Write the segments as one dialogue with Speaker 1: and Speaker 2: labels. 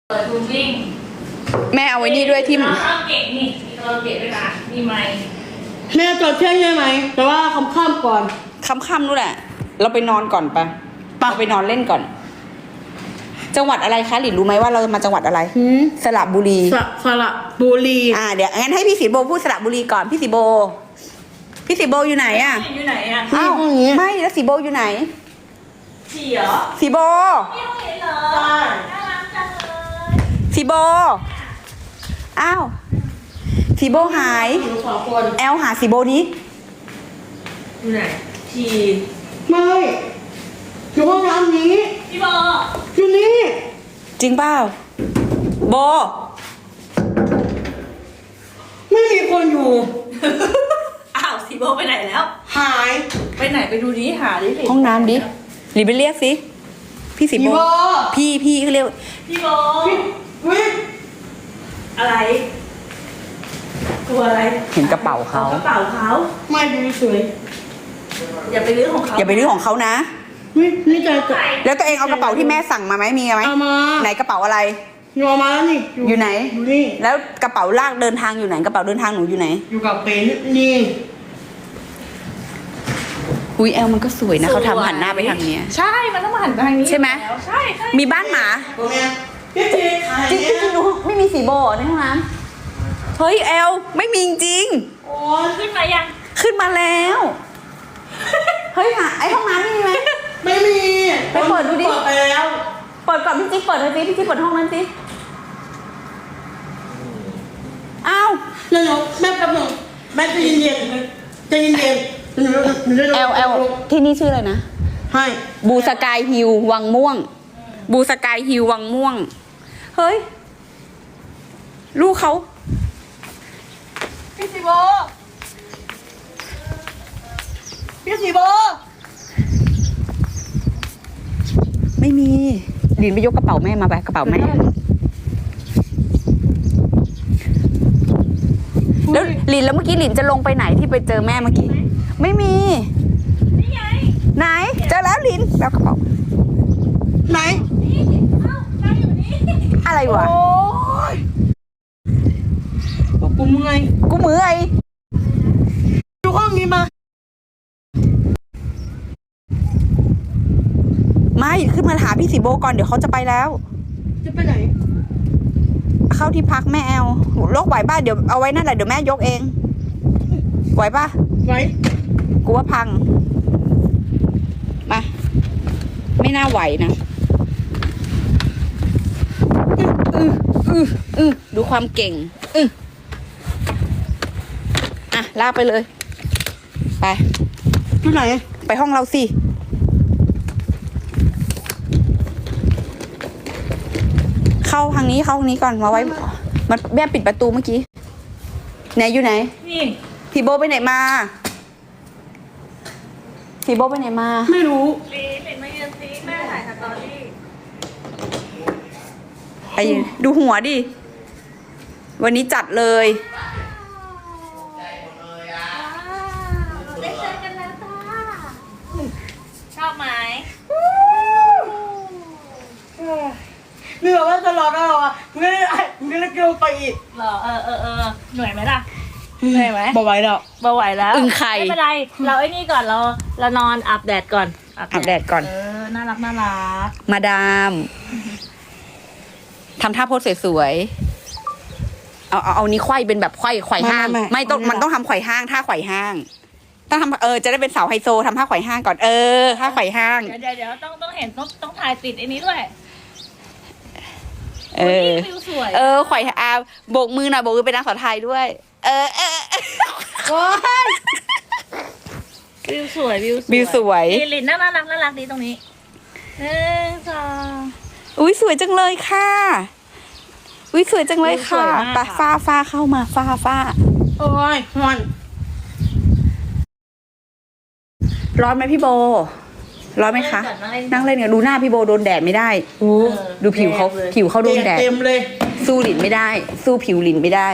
Speaker 1: เปิดรูมวิ่ง
Speaker 2: แม่เอาไว้นี่ด้วยที่
Speaker 1: คาราโอเกะนี่มีคาราโอเกะด้วยนะมีไมค์
Speaker 3: แม่จอดเที่ยงใช่ไหมแต่ว่าค่ำๆก่อน
Speaker 2: ค่ำๆนู่นแหละเราไปนอนก่อนปะเราไปนอนเล่นก่อน จังหวัดอะไรคะหลินรู้ไหมว่าเรามาจังหวัดอะไรสระบุรี
Speaker 3: สระบุรี
Speaker 2: เดี๋ยวงั้นให้พี่สีโบพูดสระบุรีก่อนพี่สีโบอยู่ไหนอ่ะ
Speaker 1: อยู่ไหนอ่ะ
Speaker 2: อ้าวไม่แล้วสีโบอยู่ไหน
Speaker 1: ฉี่เหรอ
Speaker 2: สีโบ
Speaker 1: ไม่เห็นเหรอน่ารักจังเลย
Speaker 2: สีโบอ้าวสีโบหายแอลหาสีโบนี้
Speaker 1: อยู่ไหนฉี่
Speaker 3: ไม่อยู่ห้องน้ำนี้
Speaker 1: พี่โบ
Speaker 3: อยู่นี่
Speaker 2: จริงเปล่าโบ
Speaker 3: ไม่มีคนอยู่
Speaker 1: อ้าวสีโบไปไหนแล้ว
Speaker 3: หาย
Speaker 1: ไปไหนไปดูดิหาดิ
Speaker 2: ห้องน้ำดิหรือไปเรียกสิพี่สีโบพี่เขาเรียก
Speaker 1: พี่โบ
Speaker 3: วิ
Speaker 1: อะไรตัวอะไร
Speaker 2: เห็นกระเป๋าเขา
Speaker 1: กระเป๋าเขา
Speaker 3: ไม่ดูสวย
Speaker 1: อย่าไปรื้อของเขา
Speaker 2: อย่าไปรื้อของเขานะ
Speaker 3: นี่ใจ
Speaker 2: แล้วตัวเองเอากระเป๋าที่แม่สั่งมาไหมมีไหม
Speaker 3: เอามา
Speaker 2: ไหนกระเป๋าอะไร
Speaker 3: อยู่มาแล้วนี่
Speaker 2: อยู่ไหน
Speaker 3: อยู่นี่
Speaker 2: แล้วกระเป๋าลากเดินทางอยู่ไหนกระเป๋าเดินทางหนูอยู่ไหน
Speaker 3: อยู่กับเป็นนี่
Speaker 2: อุ้ยแอลมันก็สวยนะเขาทำหันหน้าไปทางนี้
Speaker 1: ใช่มันต้องมาหันไปทางนี้
Speaker 2: ใช่ไหม
Speaker 1: ใช่
Speaker 2: มีบ้านหมาจริงดูไม่มีสีโบในห้องน้ำเฮ้ยแอลไม่มีจริง
Speaker 1: โอ้ขึ้นมายัง
Speaker 2: ขึ้นมาแล้วเฮ้ยไอห้องน้ำมีไหม
Speaker 3: ไม่มี
Speaker 2: ไปเปิดดูดิ
Speaker 3: เปิดไปแล้ว
Speaker 2: เปิดก่อนพี่จิ๊กเปิดเลยสิพี่จิ๊กเปิดห้องนั้นสิอ้าว
Speaker 3: เดี๋ยวแม่แป๊บนึงแม่ใจเย็นๆใจเย็นๆ
Speaker 2: แอลที่นี่ชื่ออะไรนะ
Speaker 3: ให้
Speaker 2: บูสกายฮิลวังม่วงบูสกายฮิลวังม่วงเฮ้ยลูกเขา
Speaker 1: พี่สีโบ
Speaker 2: ไม่มีหลินไปยกกระเป๋าแม่มาไปกระเป๋าแม่แล้วหลินแล้วเมื่อกี้หลินจะลงไปไหนที่ไปเจอแม่เมื่อกี้ไม่มี
Speaker 1: นี่ไง
Speaker 2: ไหนเจอแล้วหลินแล้วกระเป๋า
Speaker 3: ไหน
Speaker 1: นี่เอ้าเราอยู่นี่
Speaker 2: อะไรวะ
Speaker 3: โอ้ยกูเมื่อยอยู่ห้องนี้มา
Speaker 2: ไม่ขึ้นมาหาพี่สีโบก่อนเดี๋ยวเขาจะไปแล้ว
Speaker 3: จะไปไหน
Speaker 2: เข้าที่พักแม่แอลโรคไหวบ้าเดี๋ยวเอาไว้นั่นแหละเดี๋ยวแม่ยกเองไหวป่ะ
Speaker 3: ไหว
Speaker 2: กูว่าพังมาไม่น่าไหวนะดูความเก่งลากไปเลยไป
Speaker 3: ที่ไหน
Speaker 2: ไปห้องเราสิเข้าทางนี้ก่อนมาไว้มันแม่ปิดประตูเมื่อกี้ไหนอยู่ไหน
Speaker 1: นี่
Speaker 2: พี่โบไปไหนมา
Speaker 3: ไม่รู้
Speaker 1: เห็นมายืนซีแม่ถ่ายสตอรี่
Speaker 2: ไปดูหัวดิวันนี้จัดเลย
Speaker 1: ได้เจอกันแล้วจ้าชอบไหม
Speaker 3: เหนื่อยว่าจะรอได้หรอมึงได้เกี่ยวไปอีก
Speaker 1: เหรอเหนื่อยไหมล่ะเหนื่อยไหม
Speaker 3: บ่ไหวแล้ว
Speaker 2: อึ่งไข่
Speaker 1: ไม่เป็นไรเราไอ้นี่ก่อนเรานอนอาบแดดก่อน
Speaker 2: อาบแดดก่อน
Speaker 1: น่ารัก
Speaker 2: มาดามทำท่าโพสสวยๆเอานี้ไขว้เป็นแบบไขว่ห้างไม่ต้องมันต้องทำไขว่ห้างท่าไขว่ห้างต้องทำจะได้เป็นสาวไฮโซทำท่าไขว่ห้างก่อนท่าไขว่ห้าง
Speaker 1: เดี๋ยวต้องเห็นต้องถ่ายติดไอ้นี้ด้วย
Speaker 2: ไขว่โบกมือหน่อยโบกมือเป็นนางสาวไทยด้วย
Speaker 1: วิวสวยลินน่ารักดีตรงนี้1 2
Speaker 2: อุ้ยสวยจังเลยค่ะสวยจังเลยค่ะไปฟ้าเข้ามาฟ้า
Speaker 3: โอ้ย
Speaker 2: ร้อนไหมพี่โบร้อนไหมคะนั่งเล่นกันดูหน้าพี่โบโดนแดดไม่ได้ดูผิวเขาโดนแดด
Speaker 3: เต็มเลย
Speaker 2: สู้หลินไม่ได้สู้ผิวหลินไม่ได้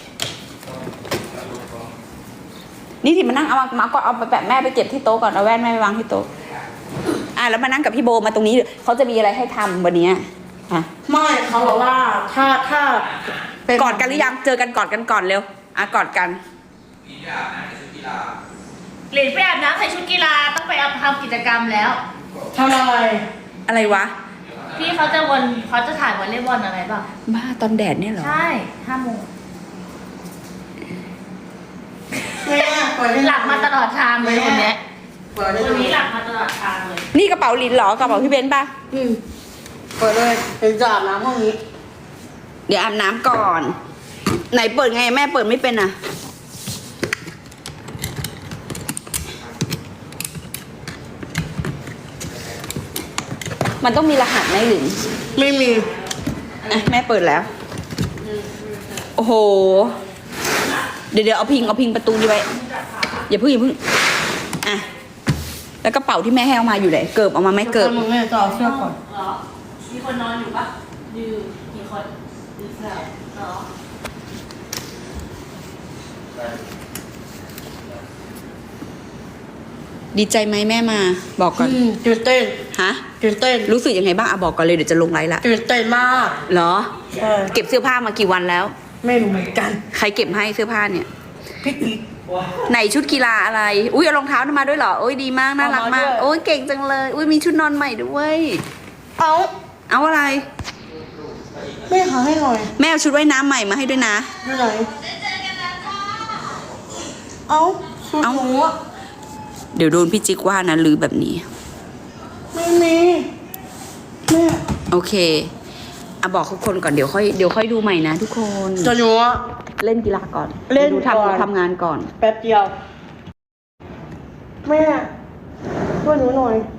Speaker 2: นี่ที่มานั่งเอามาก่อนเอาไปแปะแม่ไปเก็บที่โต๊ะก่อนเอาแว่นแม่ไปวางที่โต๊ะแล้วมานั่งกับพี่โบมาตรงนี้เขาจะมีอะไรให้ทำวันนี้
Speaker 3: ไม่เขาบอกว่าถ้าเป็น
Speaker 2: กอดกันหรือยังเจอกันกอดกันก่อนเร็วอ่ะกอดกัน
Speaker 1: หลินไปอาบน้ำใส่ชุดกีฬาต้องไปทำกิจกรรมแล้ว
Speaker 3: ทำอะไร
Speaker 2: อะไรวะ
Speaker 1: พี่เขาจะถ่ายวอลเลย์บอลอะไรบ้าง
Speaker 2: บ้าตอนแดดเนี่ยเหรอ
Speaker 1: ใช่5 โมง
Speaker 3: แม่เปิดให้
Speaker 1: หลับมาตลอดทางเลยคนเนี้ย
Speaker 3: เปิดได้
Speaker 1: คนนี้หลับมาตลอดทางเลย
Speaker 2: นี่กระเป๋าลินเหรอกระเป๋าพี่เบนซ์ป่ะ
Speaker 3: เปิดเลยเดี๋ยวจะอาบน้ำห้องนี้
Speaker 2: เดี๋ยวอาบน้ำก่อน ไหนเปิดไงแม่เปิดไม่เป็นอ่ะ มันต้องมีรหัสไหมหรือ
Speaker 3: ไม่มี
Speaker 2: อ่ะแม่เปิดแล้ว โอ้โห เดี๋ยวเอาพิงประตูนี้ไว้ อย่าเพิ่งอ่ะ แล้วกระเป๋าที่แม่ให้เอามาอยู่ไหน เกิบเอามาไหมเกิบ
Speaker 3: มึงแม่จะเอาเสื้อก่อน
Speaker 1: เหรอมีคนนอนอยู่ปะอยู่กี่คนอยู่เสื้อเหรอ
Speaker 2: ดีใจไหมแม่มา บอกก่อน
Speaker 3: ตื่นเต้น
Speaker 2: ฮะ
Speaker 3: ตื่นเต้น
Speaker 2: รู้สึกยังไงบ้างอ่ะบอกก่อนเลยเดี๋ยวจะลงไลน์ละ
Speaker 3: ตื่นเต้นมาก
Speaker 2: เหรอ
Speaker 3: เออ
Speaker 2: เก็บเสื้อผ้ามากี่วันแล้ว
Speaker 3: ไม่รู้เหมือนกัน
Speaker 2: ใครเก็บให้เสื้อผ้าเนี่ย
Speaker 3: พี่กิ๊ก
Speaker 2: ไหนชุดกีฬาอะไร อุ้ยเอารองเท้ามาด้วยเหรอ โอ้ยดีมากน่ารักมาก
Speaker 3: เอามาด้วย
Speaker 2: โอ้ยเก่งจังเลย อุ้ยมีชุดนอนใหม่ด้วย
Speaker 3: เอา
Speaker 2: เอาอะไร
Speaker 3: แม่หาให้หน่อย
Speaker 2: แม่เอาชุดว่ายน้ำใหม่มาให้ด้วยนะ
Speaker 3: อยู่ไหนเอาชุด
Speaker 2: เอา
Speaker 3: หนูอะ
Speaker 2: เดี๋ยวโดนพี่จิ๊กว่านะลือแบบนี้
Speaker 3: ไม่มีแม่
Speaker 2: โอเคอ่ะบอกทุกคนก่อนเดี๋ยวค่อยดูใหม่นะทุกคน
Speaker 3: จะหนูอะ
Speaker 2: เล่นกีฬาก่อน
Speaker 3: เล่น
Speaker 2: ดู
Speaker 3: ก่อน
Speaker 2: ทำงานก่อน
Speaker 3: แป๊บเดียว แม่ช่วยหนูหน่อย